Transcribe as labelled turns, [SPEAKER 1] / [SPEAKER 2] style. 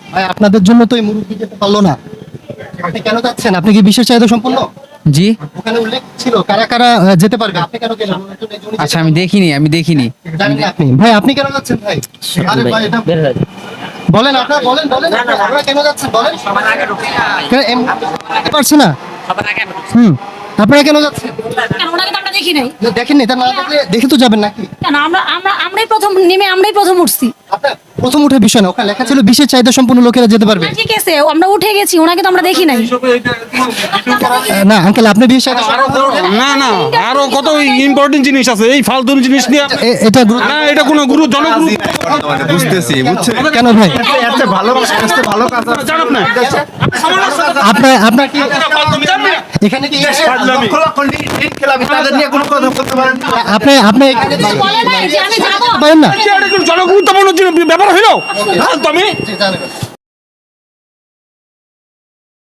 [SPEAKER 1] ভাই আপনাদের জন্য তো এই মুরব্বি যেতে পারলো না, আপনি কেন যাচ্ছেন? আপনি কি বিশেষ চাহিদা সম্পন্ন?
[SPEAKER 2] জি,
[SPEAKER 1] ওখানে উল্লেখ ছিল কারা কারা যেতে পারবে, আপনি কেন গেলেন?
[SPEAKER 2] আচ্ছা আমি দেখিনি।
[SPEAKER 1] জানেন না আপনি? ভাই আপনি কেন যাচ্ছেন ভাই? আরে ভাই এটা বলেন, আপনারা বলেন আপনারা কেন যাচ্ছেন বলেন? পারছে না। আপনারা কেন যাচ্ছেন?
[SPEAKER 3] কেন ওনাকে তো আমরা দেখি নাই।
[SPEAKER 1] দেখেননি, তা না দেখলে দেখে তো যাবেন নাকি?
[SPEAKER 3] কেন আমরাই প্রথম নেমে আমরাই প্রথম উঠছি।
[SPEAKER 1] আপনার প্রথম উঠে বিষয় না, ওখানে লেখা ছিল বিশেষ চাহিদা সম্পন্ন লোকেরা যেতে পারবে।
[SPEAKER 3] ঠিক আছে, আমরা উঠে গেছি, ওনাকে তো আমরা দেখি নাই।
[SPEAKER 1] না আঙ্কেল, আপনি বিশেষ চাহিদা
[SPEAKER 4] না না, আরো কত ইম্পর্টেন্ট জিনিস আছে, এই ফালতু জিনিস নিয়ে
[SPEAKER 1] এটা
[SPEAKER 4] না, এটা কোনো গুরু জনগুরু
[SPEAKER 5] বুঝতেছি, বুঝছেন?
[SPEAKER 1] কেন ভাই?
[SPEAKER 4] জানাব না।
[SPEAKER 1] আপনার কি এখানে কি
[SPEAKER 5] তাদের নিয়ে কোনো কথা বলতে পারেন না।
[SPEAKER 1] আপনি এখানে
[SPEAKER 3] বলে নাই যে আমি যাবো।
[SPEAKER 1] পারেন না?
[SPEAKER 4] এটা কোনো জনগুরুত্বপূর্ণ ব্যাপার হইলো? তুমি